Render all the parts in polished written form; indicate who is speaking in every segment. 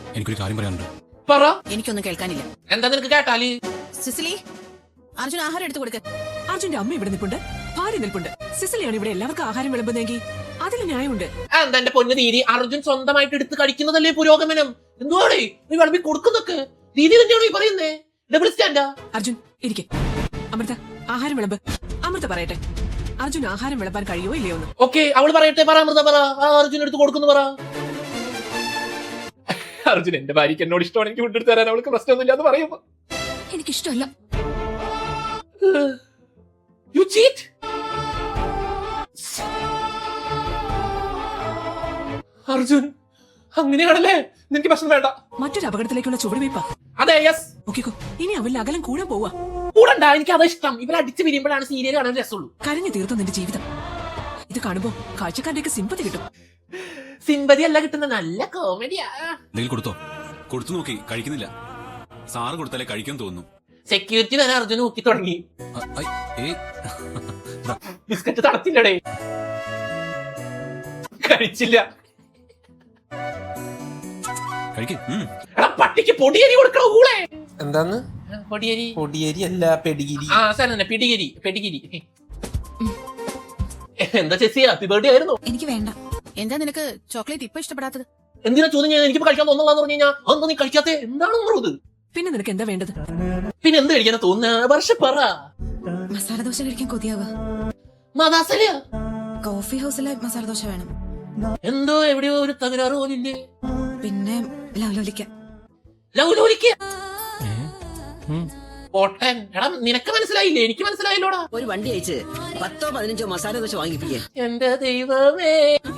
Speaker 1: എനിക്കൊരു കാര്യം പറയാനുണ്ട്.
Speaker 2: പറ.
Speaker 3: എനിക്കൊന്നും കേൾക്കാനില്ല.
Speaker 2: എന്താ നിനക്ക് കേട്ടാല്?
Speaker 3: സിസിലി, അർജുൻ ആഹാരം എടുത്തു കൊടുക്ക.
Speaker 4: അർജുന്റെ അമ്മ ഇവിടെ നിൽപ്പുണ്ട്, ഭാര്യ നിൽപ്പുണ്ട്. സിസിലിയാണ് ഇവിടെ എല്ലാവർക്കും ആഹാരം വിളമ്പുന്നെങ്കിൽ അതിൽ ന്യായമുണ്ട്.
Speaker 2: എന്താ എന്റെ പൊന്നു ദീദി, അർജുൻ സ്വന്തമായിട്ട് എടുത്ത് കഴിക്കുന്നതല്ലേ പുരോഗമനം? എന്തുവാടേ നീ വിളമ്പി കൊടുക്കുന്നൊക്കെ? ദീദി തന്നെയാണോ ഈ പറയുന്നേ? ഡബിൾ സ്റ്റാൻഡാ?
Speaker 4: അർജുൻ ഇരിക്കെ. അമൃത ആഹാരം വിളമ്പ്. അമൃത പറയട്ടെ, അർജുൻ ആഹാരം വിളമ്പാൻ കഴിയോ ഇല്ലയോ എന്ന്.
Speaker 2: ഓക്കെ, അവള് പറയട്ടെ. പറ അമൃത, പറ. അർജുൻ എടുത്ത് കൊടുക്കുന്നു, പറ. അർജുൻ എന്റെ ഭാര്യക്ക് എന്നോട് ഇഷ്ടമാണ്, എനിക്ക് വിട്ടെടുത്ത് തരാൻ അവൾക്ക് പ്രശ്നമൊന്നുമില്ല എന്ന് പറയുമ്പോ
Speaker 3: എനിക്കിഷ്ടമല്ല.
Speaker 2: You cheat? അർജുൻ അങ്ങനെയാണല്ലേ? നിനക്ക് പ്രശ്നം വേണ്ട.
Speaker 4: മറ്റൊരു അപകടത്തിലേക്കുള്ള ചുവടുവയ്പാ.
Speaker 2: അതെ, യെസ്.
Speaker 4: നോക്കിക്കോ, ഇനി അവളിൽ അകലം കൂടാൻ പോവാ.
Speaker 2: കൂടണ്ട, എനിക്ക് അതാ ഇഷ്ടം. ഇവരടിച്ചു പിരിയുമ്പോഴാണ് സീരിയൽ കാണാൻ രസമുള്ളൂ.
Speaker 4: കരഞ്ഞു തീർത്ത നിന്റെ ജീവിതം ഇത് കാണുമ്പോ കാഴ്ചക്കാരുടെയൊക്കെ സിമ്പതി കിട്ടും.
Speaker 2: സിമ്പതി അല്ല കിട്ടുന്ന, നല്ല കോമഡിയാ.
Speaker 1: എന്തെങ്കിലും കൊടുത്തോ? കൊടുത്തു നോക്കി, കഴിക്കുന്നില്ല. സാറ് കൊടുത്താലേ കഴിക്കാൻ തോന്നുന്നു.
Speaker 2: സെക്യൂരിറ്റി തന്നെ അർജുൻ നോക്കി തുടങ്ങി. ബിസ്ക്കറ്റ് തടത്തില്ലടേ, കഴിച്ചില്ല. എടാ, പട്ടിക്ക് പൊടിയരി കൊടുക്കണോ കൂടെ?
Speaker 5: എന്താന്ന്?
Speaker 2: പൊടിയരി?
Speaker 5: പൊടിയരി അല്ല, പെടിഗിരി.
Speaker 2: ആ സാധനം പിടികിരി, പെടികിരി. എന്താ ചേച്ചി, ഹാപ്പി ബർത്ത്ഡേ ആയിരുന്നു.
Speaker 3: എനിക്ക് വേണ്ട. എന്താ നിനക്ക് ചോക്ലേറ്റ് ഇപ്പൊ ഇഷ്ടപ്പെടാത്തത്?
Speaker 2: എന്തിനാ ചോദ്യം? ഞാൻ എനിക്ക് കഴിക്കാൻ തോന്നുള്ളതെന്ന് പറഞ്ഞു കഴിഞ്ഞാൽ അതൊന്നും നീ കഴിക്കാത്ത എന്താണ് ഉള്ളത്?
Speaker 4: പിന്നെ നിനക്ക് എന്താ വേണ്ടത്?
Speaker 2: പിന്നെ എന്ത് കഴിക്കാനാ തോന്നുന്ന? വർഷ പറ.
Speaker 3: മസാല ദോശ കഴിക്കാൻ കൊതിയാവുക.
Speaker 2: മതാസലയാ?
Speaker 3: കോഫി ഹൗസിലെ മസാല ദോശ വേണം.
Speaker 2: എന്തോ എവിടെയോ ഒരു തകരാറ് പോലില്ലേ?
Speaker 3: പിന്നെ ലവ്ലോലിക്ക.
Speaker 2: ലൗലോലിക്ക? പൊട്ടൻ. എടാ, നിനക്ക് മനസ്സിലായില്ലേ? എനിക്ക് മനസ്സിലായില്ലോടാ.
Speaker 6: ഒരു വണ്ടി അയച്ച് 10-15 മസാല ദോശ വാങ്ങിപ്പിക്കേ.
Speaker 2: എന്റെ ദൈവമേ.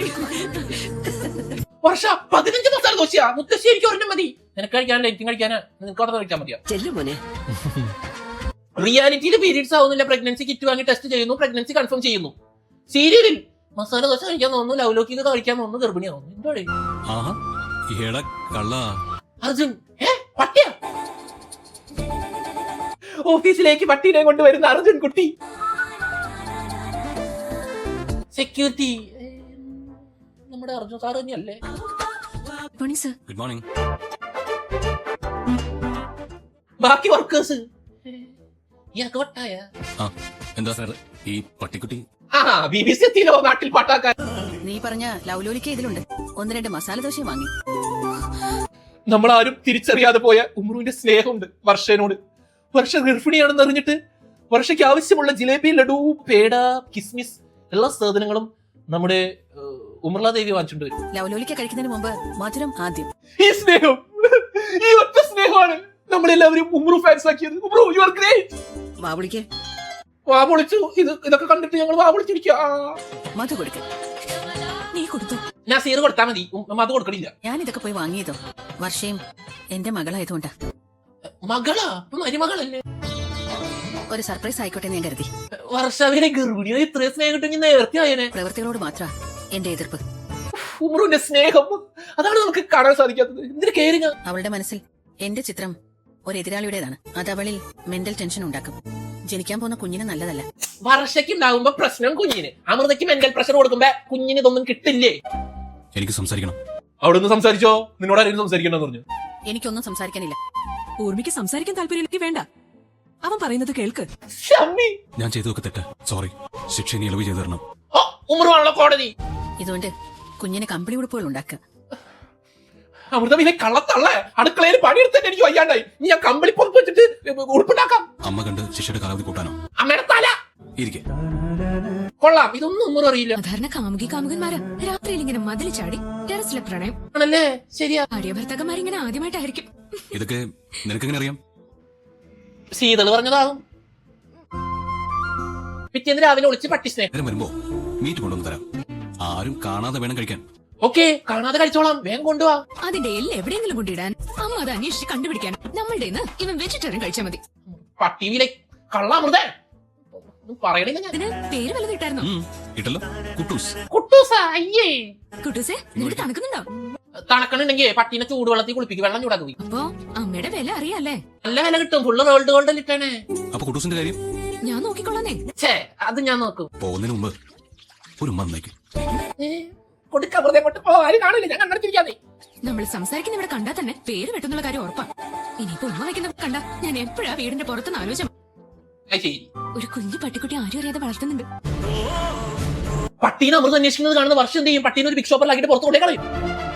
Speaker 2: വർഷ 15 മസാല ദോശയാ? മുത്തശ്ശി എനിക്ക് ഒരെണ്ണം മതി. നിനക്ക് കഴിക്കാനല്ല, എനിക്കും കഴിക്കാനാ. നിനക്ക് അവിടെ കഴിക്കാൻ മതിയാ.
Speaker 6: ചെല്ലു മോനെ.
Speaker 2: റിയാലിറ്റിയിൽ പീരീഡ്സ് ആവുന്നില്ല, പ്രഗ്നൻസി കിറ്റ് വാങ്ങി ടെസ്റ്റ് ചെയ്യുന്നു, പ്രഗ്നൻസി കൺഫേം ചെയ്യുന്നു. സീരിയലിൽ മസാല ദോശ കഴിക്കാൻ തോന്നുന്നു, ലൗലോക്കിക്ക് കഴിക്കാൻ തോന്നുന്നു, ഗർഭിണിയാവുന്നു. എന്തോടെ അർജുൻ? പട്ടിയാ? ഓഫീസിലേക്ക് പട്ടീനെ കൊണ്ടുവരുന്ന അർജുൻ കുട്ടി. സെക്യൂരിറ്റി നമ്മുടെ അർജുൻ സാർ തന്നെയല്ലേ?
Speaker 1: Good morning.
Speaker 2: ബാക്കി വർക്കേഴ്സ് ഇയാൾക്ക് വട്ടായ?
Speaker 1: എന്താ സാർ ഈ പട്ടിക്കുട്ടി?
Speaker 2: BBC എത്തിയില്ലോ നാട്ടിൽ പാട്ടാക്കാൻ.
Speaker 3: നീ പറഞ്ഞ ലവ്ലോലിക്ക ഇതിലുണ്ട്. 1-2 മസാല ദോശയും വാങ്ങി.
Speaker 2: നമ്മളാരും തിരിച്ചറിയാതെ പോയ ഉമ്രുവിന്റെ സ്നേഹമുണ്ട് വർഷനോട്. വർഷ ഗർഭിണിയാണെന്ന് അറിഞ്ഞിട്ട് വർഷയ്ക്ക് ആവശ്യമുള്ള ജിലേബി, ലഡു, പേട, കിസ്മിസ് എല്ലാ സാധനങ്ങളും നമ്മുടെ ഉമർല ദേവി വാങ്ങിച്ചിട്ട് വരും.
Speaker 3: ലവ്ലോലിക്ക കഴിക്കുന്നതിന് മുമ്പ് മധുരം ആദ്യം.
Speaker 2: ഈ സ്നേഹം, ഈ ഒറ്റ സ്നേഹമാണ് നമ്മളെല്ലാവരും ഉമ്രു ഫാൻസ് ആക്കിയത്. Umru, you are great.
Speaker 6: വാവിളിക്കേ.
Speaker 2: വാപൊളിച്ചു. ഇതൊക്കെ കണ്ടിട്ട് ഞങ്ങൾ വാപൊളിച്ചിരിക്കുക.
Speaker 3: മധു കൊടുക്ക. നീ കൊടുത്തു.
Speaker 2: ഞാൻ സീറ് കൊടുത്താൽ മതി, മധു കൊടുക്കണില്ല.
Speaker 3: ഞാൻ ഇതൊക്കെ പോയി വാങ്ങിയതോ വർഷയും എന്റെ മകളായതുകൊണ്ടാ.
Speaker 2: മകളാ? മരുമകളല്ലേ?
Speaker 3: ഒരു സർപ്രൈസ് ആയിക്കോട്ടെ ഞാൻ കരുതി.
Speaker 2: വർഷാവിനെ ഗർഭിണിയോ ഇത്രയും സ്നേഹം കിട്ടുമെങ്കിൽ നേരത്തെ ആയനെ.
Speaker 3: പ്രവൃത്തികളോട് മാത്ര എന്റെ എതിർപ്പ്.
Speaker 2: ഉമ്രുവിന്റെ സ്നേഹം അതാണ് നമുക്ക് കാണാൻ സാധിക്കാത്തത്. എന്തിനു കയറിങ്ങ?
Speaker 3: അവളുടെ മനസ്സിൽ എന്റെ ചിത്രം ഒരു എതിരാളിയുടേതാണ്. അത് അവളിൽ മെന്റൽ ടെൻഷൻ ഉണ്ടാക്കും. ജനിക്കാൻ പോകുന്ന കുഞ്ഞിന് നല്ലതല്ല.
Speaker 2: വർഷയ്ക്ക് ഉണ്ടാകുമ്പോ പ്രശ്നം കുഞ്ഞിന്. അമൃതയ്ക്ക് മെന്റൽ പ്രഷർ കൊടുക്കുമ്പോ കുഞ്ഞിന് ഇതൊന്നും കിട്ടില്ലേ?
Speaker 1: എനിക്ക് സംസാരിക്കണം.
Speaker 2: അവിടെ നിന്ന് സംസാരിച്ചോ? നിന്നോട് ആരെങ്കിലും സംസാരിക്കണമെന്ന് പറഞ്ഞു?
Speaker 3: എനിക്കൊന്നും സംസാരിക്കാനില്ല.
Speaker 4: ഊർമിക്ക് സംസാരിക്കാൻ താല്പര്യമില്ലെങ്കിൽ വേണ്ട, അവൻ പറയുന്നത് കേൾക്ക്.
Speaker 1: ഞാൻ ചെയ്തതൊക്കെ തെറ്റ്. സോറി. ശിക്ഷ ഇനി ഇളവ് ചെയ്തു തരണം.
Speaker 2: ഉമ്രുവാണല്ലോ കോടതി.
Speaker 3: ഇതുകൊണ്ട് കുഞ്ഞിന് കമ്പിളി ഉടുപ്പുകൾ ഉണ്ടാക്കുക.
Speaker 2: അമൃതവിലെ കള്ളത്തള്ളേ, അടുക്കളയിൽ പണിയെടുത്തിട്ട് എനിക്ക് വയ്യാണ്ടായി. നീ ഞാൻ കമ്പിളി പൊറപ്പ് വെച്ചിട്ട് ഉടുപ്പുണ്ടാക്കാം.
Speaker 1: അമ്മ കണ്ട് ശിക്ഷയുടെ കാലാവധി കൂട്ടാനോ?
Speaker 2: അമ്മയുടെ തല
Speaker 1: ഇരിക്കെ.
Speaker 2: കൊള്ളാം. ഇതൊന്നും ഉമ്മറും അറിയില്ല.
Speaker 7: സാധാരണ കാമുകന്മാരാ രാത്രിയിൽ ഇങ്ങനെ മതിൽ ചാടി ടെറസിലെ പ്രണയം
Speaker 2: ആണല്ലേ? ശരിയാ.
Speaker 7: ഭാര്യ ഭർത്താക്കന്മാരിങ്ങനെ ആദ്യമായിട്ടായിരിക്കും.
Speaker 1: ഇതൊക്കെ നിനക്കെങ്ങനെ അറിയാം?
Speaker 2: ശീതള് പറഞ്ഞതാകും. പിറ്റേന്ന് രാവിലെ ഒളിച്ച് പട്ടി സ്നേഹം.
Speaker 1: നേരം വരുമ്പോ മീറ്റ് കൊണ്ടുവന്ന് തരാം. ആരും കാണാതെ വേണം കഴിക്കാൻ.
Speaker 2: ഓക്കെ, കാണാതെ കഴിച്ചോളാം. വേഗം കൊണ്ടുപോവാ.
Speaker 7: അതിന്റെ എല്ലാം എവിടെയെങ്കിലും കൊണ്ടിടാൻ അമ്മ അത് അന്വേഷിച്ച് കണ്ടുപിടിക്കാൻ നമ്മളുടെ ഇവൻ വെജിറ്റേറിയൻ കഴിച്ചാൽ മതി.
Speaker 2: പട്ടിയിലെ കള്ളാമൃതേ പറയണില്ല. ഞാൻ
Speaker 7: അതിന് പേര് വല്ലതും ഇട്ടായിരുന്നോ?
Speaker 1: ഇട്ടല്ലോ, കുട്ടൂസ്.
Speaker 2: കുട്ടൂസാ? അയ്യേ
Speaker 7: കുട്ടൂസേ, നിനക്ക് തണുക്കുന്നുണ്ടോ?
Speaker 2: തണക്കണുണ്ടെങ്കിൽ പട്ടീനെ ചൂടുവെള്ളത്തിൽ കുളിപ്പിക്കും, വെള്ളം ചൂടാക്കി പോയി.
Speaker 7: അപ്പൊ അമ്മയുടെ വില അറിയാല്ലേ?
Speaker 2: നല്ല വില കിട്ടും. ഫുള്ള് റോൾഡ് ഗോൾഡ് ഇട്ടാണ്.
Speaker 1: അപ്പൊ കുട്ടൂസിന്റെ കാര്യം
Speaker 7: ഞാൻ നോക്കിക്കൊള്ളാന്നേ.
Speaker 2: ഛേ, അത് ഞാൻ നോക്കും.
Speaker 1: പോകുന്നതിന് മുമ്പ് ഒരു മന്നേക്ക്
Speaker 2: കൊടുക്കമൃതം കൊണ്ട് ആരും കാണില്ല. ഞാൻ കണ്ടടിച്ചിരിക്കാതെ.
Speaker 7: നമ്മൾ സംസാരിക്കുന്ന ഇവിടെ കണ്ടാ തന്നെ പേര് വെട്ടുന്നുള്ള കാര്യം ഉറപ്പാ. ഇനിയിപ്പോ ഉമ്മ വയ്ക്കുന്ന കണ്ട ഞാൻ എപ്പോഴാ വീടിന്റെ പുറത്തുനിന്ന് ആലോചന.
Speaker 2: അത് ശരി.
Speaker 7: ഒരു കുഞ്ഞു പട്ടിക്കുട്ടി ആരും അറിയാതെ വളർത്തുന്നുണ്ട്.
Speaker 2: പട്ടീനെ അമൃത അന്വേഷിക്കുന്നത് കാണുന്ന വർഷം എന്ത് ചെയ്യും? പട്ടീനെ ഒരു ബിഗ് ഷോപ്പറിലാക്കിട്ട് പുറത്ത് കൊണ്ടേ കളയും.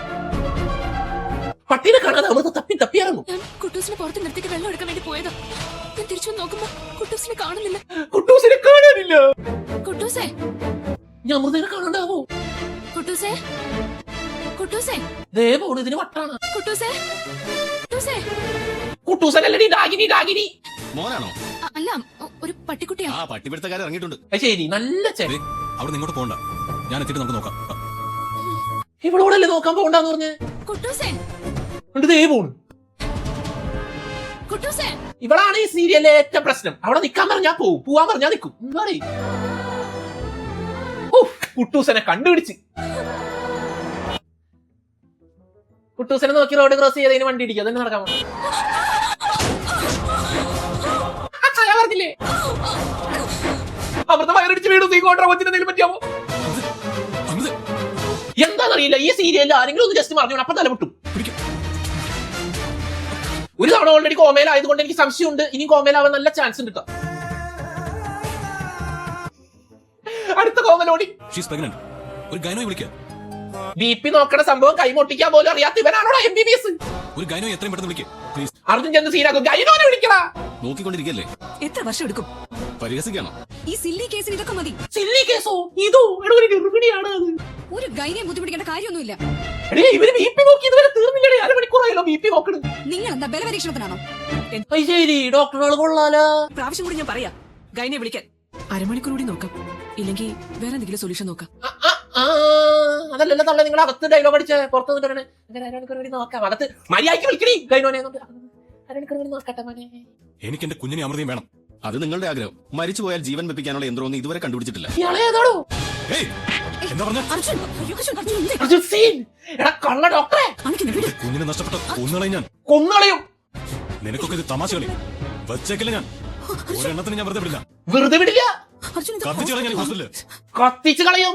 Speaker 2: പട്ടീനെ കാണാതെ അമൃത തപ്പിയിറങ്ങും.
Speaker 7: ഞാൻ കുട്ടൂസിനെ പുറത്ത് നിർത്തിയിട്ട് വെള്ളം എടുക്കാൻ വേണ്ടി പോയതാ. ഞാൻ തിരിച്ചു നോക്കുമ്പോ കുട്ടൂസിനെ കാണുന്നില്ല.
Speaker 2: കുട്ടൂസിനെ കാണാനില്ല.
Speaker 7: കുട്ടൂസേ,
Speaker 2: ഞാൻ അമൃതനെ കാണണ്ടാവോ?
Speaker 7: കുട്ടൂസേ, കുട്ടൂസേ,
Speaker 2: ദേവോട് ഇതിന് വട്ടാണ്.
Speaker 7: കുട്ടൂസേ, കുട്ടൂസേ.
Speaker 2: കുട്ടൂസനല്ലടി ഡാഗിനി.
Speaker 1: മോനാണോ?
Speaker 7: അല്ല, ഒരു പട്ടിക്കുട്ടിയാ.
Speaker 1: ആ പട്ടിപിടുത്തക്കാരൻ ഇറങ്ങിയിട്ടുണ്ട്.
Speaker 2: അത് ശരി, നല്ല ചെവി.
Speaker 1: അവിടെ ഇങ്ങോട്ട് പോകണ്ട, ഞാൻ എത്തിയിട്ട് നമുക്ക് നോക്കാം.
Speaker 2: ഇവളോടല്ലേ നോക്കാൻ പോകണ്ടെന്ന് പറഞ്ഞേ?
Speaker 7: കുട്ടൂസേ,
Speaker 2: ഉണ്ട് ദേവോണ്.
Speaker 7: കുട്ടൂസേ.
Speaker 2: ഇവളാണ് ഈ സീരിയലിലെ ഏറ്റവും പ്രശ്നം. അവിടെ നിക്കാൻ പറഞ്ഞാ പോവും, പോവാൻ പറഞ്ഞാ നിക്കും. എന്താണ് കുട്ടൂസനെ കണ്ടുപിടിച്ച്. കുട്ടൂസനെ നോക്കി റോഡ് ക്രോസ് ചെയ്തതിന് വണ്ടി ഇടിക്കുക, അതന്നെ നടക്കാൻ പോണം. ഞാൻ പറഞ്ഞില്ലേ അമൃത വയറടിച്ച് വീട് നീ കോട്ടറ കൊച്ചിന് എന്തെങ്കിലും പറ്റിയാമോ? എന്താണെന്നറിയില്ല, ഈ സീരിയലിൽ ആരെങ്കിലും ഒന്ന് ജസ്റ്റ് പറഞ്ഞു അപ്പൊ തലമുട്ടും. ഒരു തവണ ഓൾറെഡി കോമയിലായതുകൊണ്ട് എനിക്ക് സംശയമുണ്ട്, ഇനി കോമയിലാവാൻ നല്ല ചാൻസ് ഉണ്ട്. അടുത്ത കോമലോടി
Speaker 1: ഒരു ഗൈനോയെ വിളിക്കാം.
Speaker 2: BP നോക്കണ സംഭവം കൈമൊട്ടിക്കാൻ പോലും അറിയാത്ത ഇവനാണോ MBBS?
Speaker 1: ഒരു ഗൈനോയെ എത്രയും പെട്ടെന്ന് വിളിക്കാം പ്ലീസ്.
Speaker 2: അർജുൻ ചെന്ന് സീനാക്കും, ഗൈനോനെ വിളിക്കടാ.
Speaker 1: നോക്കിക്കൊണ്ടിരിക്കല്ലേ?
Speaker 4: എത്ര വർഷം എടുക്കും?
Speaker 1: പരിഹസിക്കാണോ?
Speaker 7: ഈ സില്ലി കേസിന് ഇതൊക്കെ മതി.
Speaker 2: സില്ലി കേസോ? ഇതോ എടോ ഒരു ഗർഭിണിയാണ് അത്.
Speaker 7: ഒരു ഗൈനെ ബുദ്ധിമുട്ടിക്കേണ്ട കാര്യമൊന്നുമില്ല.
Speaker 2: എടേ ഇവര് BP നോക്കി ഇതുവരെ തീർന്നില്ലേ? അരമണിക്കൂറായല്ലോ BP നോക്കണ്.
Speaker 7: നിങ്ങൾ എന്താ ബലപരീക്ഷണത്തിനാണോ?
Speaker 2: ശരി, ഡോക്ടറുകൾ കൊള്ളാലോ.
Speaker 4: പ്രാവശ്യം കൂടി ഞാൻ പറയാം ഗൈനെ വിളിക്കാൻ. അരമണിക്കൂർ കൂടി നോക്കാം, ഇല്ലെങ്കിൽ വേറെ എന്തെങ്കിലും സൊല്യൂഷൻ നോക്കാം.
Speaker 2: അതല്ലല്ലോ തള്ള, നിങ്ങൾ അകത്ത് ഡയലോഗ് അടിച്ച് പുറത്ത് നിന്നിട്ടാണ് അരമണിക്കൂർ വേണ്ടി നോക്കാം. അകത്ത് മര്യാദയ്ക്ക് വിളിക്കണേ ഗൈനോനെ. അരമണിക്കൂർ വേണ്ടി നോക്കട്ടെ മോനെ.
Speaker 1: എനിക്ക് എന്റെ കുഞ്ഞിനെ അമൃതയും വേണം. അത് നിങ്ങളുടെ ആഗ്രഹം. മരിച്ചു പോയാൽ ജീവൻ വെപ്പിക്കാനുള്ള യന്ത്രമൊന്നും ഇതുവരെ കണ്ടുപിടിച്ചിട്ടില്ല.
Speaker 2: ഇയാളേതാണോ?
Speaker 1: എന്താ പറഞ്ഞ?
Speaker 2: അർജുൻ സീൻ. എടാ കള്ള ഡോക്ടറെ,
Speaker 1: കുഞ്ഞിനെ നഷ്ടപ്പെട്ട കൊന്നുകളയും ഞാൻ.
Speaker 2: കൊന്നുകളയും.
Speaker 1: നിനക്കൊക്കെ ഇത് തമാശ കളി. വെച്ചേക്കില്ല ഞാൻ. ഒരെണ്ണത്തിന് ഞാൻ വെറുതെ വിടില്ല.
Speaker 2: വെറുതെ വിടില്ല,
Speaker 1: കത്തിച്ചു കളയാൻ ഹോസ്റ്റലില്.
Speaker 2: കത്തിച്ചു കളയും.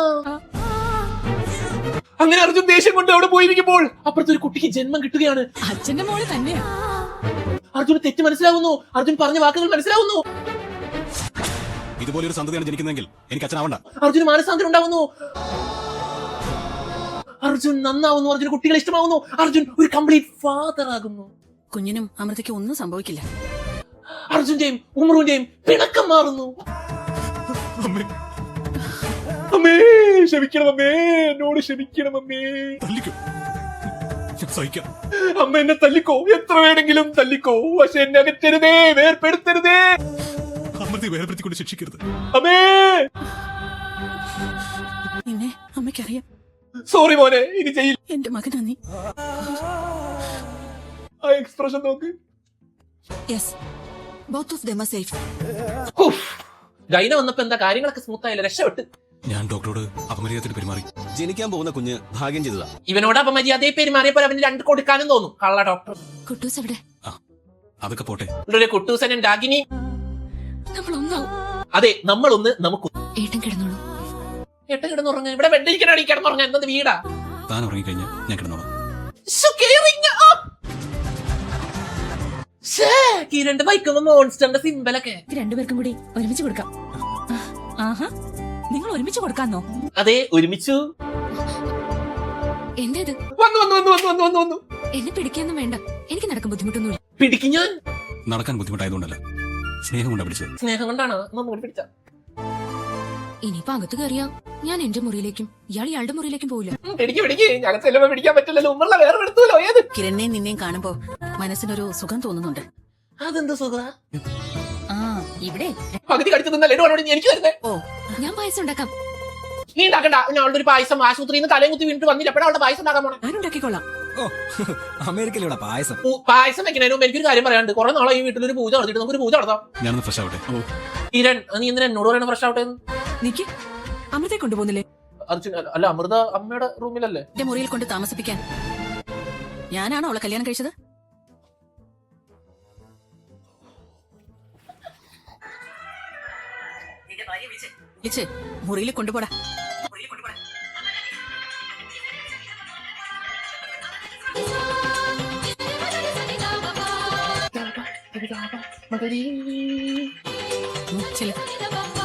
Speaker 2: അങ്ങനെ അർജുൻ ദേഷ്യം കൊണ്ട് അവിടെ പോയിരിക്കുമ്പോൾ അപ്പുറത്തെ ഒരു കുട്ടിക്ക് ജന്മം കിട്ടുകയാണ്.
Speaker 7: അച്ഛന്റെ മോള് തന്നെയാ.
Speaker 2: അർജുന് തെറ്റ് മനസ്സിലാവുന്നു, അർജുൻ പറഞ്ഞ വാക്കുകൾ മനസ്സിലാവുന്നു.
Speaker 1: ഇതുപോലൊരു സന്തതിയാണ് ജനിക്കുന്നതെങ്കിൽ എനിക്ക് അച്ഛനാവണ്ട.
Speaker 2: അർജുന് മാനസാന്തരം ഉണ്ടാവുന്നു, അർജുൻ നന്നാവുന്നു, അർജുൻ കുട്ടികളെ ഇഷ്ടമാവുന്നു, അർജുൻ ഒരു കംപ്ലീറ്റ് ഫാദർ ആകുന്നു.
Speaker 3: കുഞ്ഞിനും അമൃതയ്ക്ക് ഒന്നും സംഭവിക്കില്ല.
Speaker 2: അർജുന്റെയും ഉമറുവിന്റെയും പിണക്കം മാറുന്നു. അമ്മേ ക്ഷമിക്കണം അമ്മേ, എന്നോട് ക്ഷമിക്കണം അമ്മേ.
Speaker 1: തല്ലിക്കോ, ഞാൻ സഹിക്കാം.
Speaker 2: അമ്മ എന്നെ തല്ലിക്കോ, എത്ര വേണമെങ്കിലും തല്ലിക്കോ, പക്ഷെ എന്നെ അകറ്റരുതേ, വേർപ്പെടുത്തരുതേ.
Speaker 1: അമൃതയെ വേർപ്പെടുത്തിക്കൊണ്ട് ശിക്ഷിക്കരുത്
Speaker 2: അമ്മേ.
Speaker 3: നിന്നെ അമ്മയ്ക്കറിയാം.
Speaker 2: സോറി മോനെ, ഇനി ചെയ്യില്ല.
Speaker 3: എന്റെ മകനാ നീ.
Speaker 2: ആ എക്സ്പ്രഷൻ നോക്ക്.
Speaker 3: Yes, both of them are safe.
Speaker 2: ഗൈന വന്നപ്പോ എന്താ കാര്യങ്ങളൊക്കെ സ്മൂത്ത് ആയില്ല, രക്ഷപ്പെട്ട്.
Speaker 1: ഞാൻ ഡോക്ടറോട് അപമര്യാദത്തിൽ പെരുമാറി. ജനിക്കാൻ പോകുന്ന കുഞ്ഞ് ഭാഗ്യം ചെയ്തതാ.
Speaker 2: ഇവനോട് അപമര്യാദയെ പെരുമാറിയപ്പോൾ അവന് 2 കൊടുക്കാനും തോന്നും. കള്ള ഡോക്ടർ.
Speaker 7: കുട്ടൂസ് എവിടെ?
Speaker 1: അതൊക്കെ പോട്ടെ.
Speaker 2: കുട്ടൂസനും ഡാഗിനി
Speaker 7: നമ്മൾ ഒന്നാവും.
Speaker 2: അതെ, നമ്മളൊന്ന് നമുക്ക്.
Speaker 7: ഏട്ടൻ കിടന്നോളൂ.
Speaker 2: ഏട്ടൻ കിടന്നുറങ്ങ. ഇവിടെ ബെഡിരിക്കണി കിടന്നുറങ്ങ. എന്നത് വീടാ.
Speaker 1: താൻ ഉറങ്ങിക്കഴിഞ്ഞാൽ ഞാൻ കിടന്നോളാം.
Speaker 2: കിരണ്ട് ബൈക്കുമ്പോ മോൺസ്റ്ററിന്റെ സിമ്പലൊക്കെ
Speaker 7: രണ്ടുപേർക്കും കൂടി ഒരുമിച്ച് കൊടുക്കാം. ആഹാ, നിങ്ങൾ ഒരുമിച്ച് കൊടുക്കാന്നോ?
Speaker 2: അതെ, ഒരുമിച്ചു.
Speaker 7: എന്തേത്?
Speaker 2: വന്നു.
Speaker 7: എന്നെ പിടിക്കാന്നും വേണ്ട, എനിക്ക് നടക്കാൻ ബുദ്ധിമുട്ടൊന്നുമില്ല.
Speaker 2: പിടിക്കും ഞാൻ.
Speaker 1: നടക്കാൻ ബുദ്ധിമുട്ടായതുകൊണ്ടല്ല, സ്നേഹം കൊണ്ടാ പിടിച്ചത്.
Speaker 2: സ്നേഹം കൊണ്ടാണ് പിടിച്ച.
Speaker 7: ഇനിയിപ്പോ അകത്ത് കയറിയാ ഞാൻ എന്റെ മുറിയിലേക്കും ഇയാൾ ഇയാളുടെ മുറിയിലേക്കും പോവില്ല.
Speaker 2: പിടിക്ക്. ഞങ്ങൾക്ക് ചെല്ലുമ്പോ പിടിക്കാൻ പറ്റില്ലല്ലോ. ഉമ്മറുള്ള വേറെ എടുത്തല്ലോ. ഏത്
Speaker 3: കിരണിനെയും നിന്നെയും കാണുമ്പോ മനസ്സിനൊരു സുഖം തോന്നുന്നുണ്ട്.
Speaker 2: അതെന്ത് സുഖ?
Speaker 3: ആ, ഇവിടെ
Speaker 2: പകുതി കടിച്ചു നിന്നല്ലേ എനിക്ക് വരുന്നേ.
Speaker 3: ഓ,
Speaker 7: ഞാൻ പായസം ഉണ്ടാക്കാം.
Speaker 2: നീ ഉണ്ടാക്കണ്ട. ഞാൻ അവളുടെ ഒരു പായസം ആശുപത്രിയിൽ നിന്ന് തലയും കുത്തി വീണിട്ട് വന്നില്ല. എപ്പോഴാ അവളുടെ പായസം ഉണ്ടാക്കാൻ പോണേ?
Speaker 4: ഞാൻ ഉണ്ടാക്കിക്കോളാം.
Speaker 8: അമേരിക്കയിലൂടെ പായസം.
Speaker 2: പായസം വെക്കുന്നതിന് മുമ്പ് എനിക്കൊരു കാര്യം പറയാനുണ്ട്. കുറെ നാളെ ഈ വീട്ടിലൊരു പൂജ നടത്തിയിട്ട് നമുക്കൊരു പൂജ നടത്താം.
Speaker 1: ഞാനൊന്ന് ഫ്രഷ് ആവട്ടെ.
Speaker 2: കിരൺ, നീ എന്തിനാ എന്നോട് പറയണ ഫ്രഷ് ആവട്ടെ?
Speaker 4: നിക്ക്, അമൃതയെ കൊണ്ടുപോകുന്നില്ലേ?
Speaker 2: അർജുൻ അല്ല, അമൃത അമ്മയുടെ റൂമിലല്ലേ?
Speaker 3: എന്റെ മുറിയിൽ കൊണ്ട് താമസിപ്പിക്കാൻ ഞാനാണോ അവളെ കല്യാണം കഴിച്ചത്? വിളിച്ച് മുറിയിൽ കൊണ്ടുപോടാ.
Speaker 2: മകളീ
Speaker 3: ചെല്ലു